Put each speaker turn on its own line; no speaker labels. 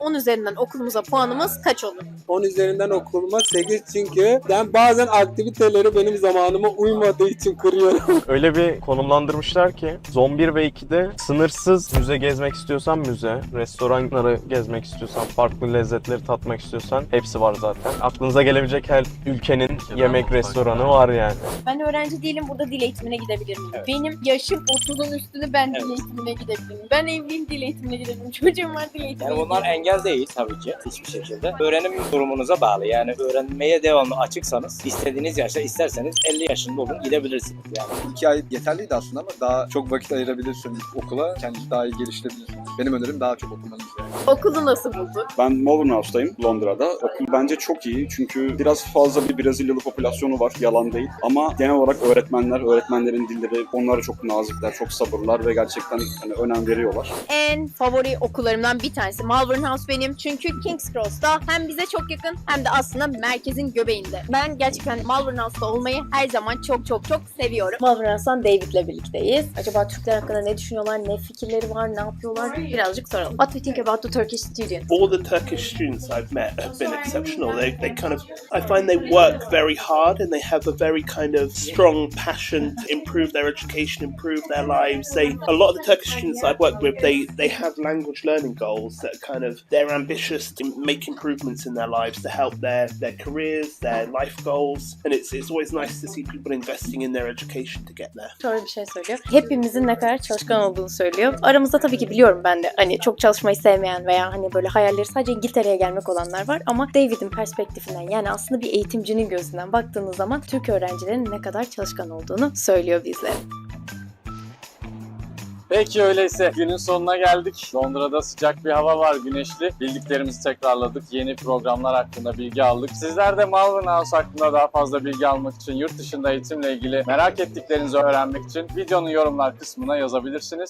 10 üzerinden okulumuza puanımız kaç olur?
10 üzerinden okuluma 8 çünkü ben bazen aktiviteleri benim zamanıma uymadığı için kırıyorum.
Öyle bir konumlandırmışlar ki Zone 1 ve 2'de sınırsız müze gezmek istiyorsan müze, restoranları gezmek istiyorsan, farklı lezzetleri tatmak istiyorsan hepsi var zaten. Aklınıza gelebilecek her ülkenin yemek restoranı var yani.
Ben öğrenci değilim, burada dil eğitimine gidebilir miyim? Benim yaşım 30'un üstünde, ben dil eğitimine gidebilirim. Ben evliyim, dil eğitimine gidebilirim. Çocuğum var, dil eğitimine
Yani bunlar engel değil tabii ki hiçbir şekilde. Öğrenim durumunuza bağlı. Yani öğrenmeye devamlı açıksanız istediğiniz yaşta isterseniz 50 yaşında olun gidebilirsiniz yani.
2 ay yeterliydi aslında ama daha çok vakit ayırabilirsin okula, kendini daha iyi geliştirebilirsin. Benim önerim daha çok okumanız yani.
Okulu nasıl buldun?
Ben Malvern House'tayım Londra'da. Okul bence çok iyi çünkü biraz fazla bir Brezilyalı popülasyonu var, yalan değil. Ama genel olarak öğretmenlerin dilleri, onlara çok nazikler, çok sabırlar ve gerçekten hani önem veriyorlar.
En favori okullarımdan bir tanesi Malvern House benim. Çünkü King's Cross'ta hem bize çok yakın hem de aslında merkezin göbeğinde. Ben gerçekten Malvern House'ta olmayı her zaman çok seviyorum. Malvern House'tan David'le birlikteyiz. Acaba Türkler hakkında ne düşünüyorlar, ne fikirleri var, ne yapıyorlar? Birazcık soralım. What do you think about the Turkish students?
All the Turkish students I've met have been exceptional. They kind of, I find they work very hard and they have a very kind of strong passion to improve their education, improve their lives. A lot of the Turkish students I've worked with, they have language learning goals that are kind of, they're ambitious to make improvements in their lives to help their careers, their life goals. And it's always nice to see people investing in their education to get there.
Şöyle bir şey söylüyor. Hepimizin ne kadar çalışkan olduğunu söylüyor. Aramızda tabii ki biliyorum ben de hani çok çalışmayı sevmeyen veya hani böyle hayalleri sadece İngiltere'ye gelmek olanlar var ama David'in perspektifinden yani aslında bir eğitimcinin gözünden baktığınız zaman Türk öğrencilerin ne kadar çalışkan olduğunu söylüyor bizlere.
Peki öyleyse günün sonuna geldik. Londra'da sıcak bir hava var, güneşli. Bildiklerimizi tekrarladık. Yeni programlar hakkında bilgi aldık. Sizler de Malvern House hakkında daha fazla bilgi almak için, yurt dışında eğitimle ilgili merak ettiklerinizi öğrenmek için videonun yorumlar kısmına yazabilirsiniz.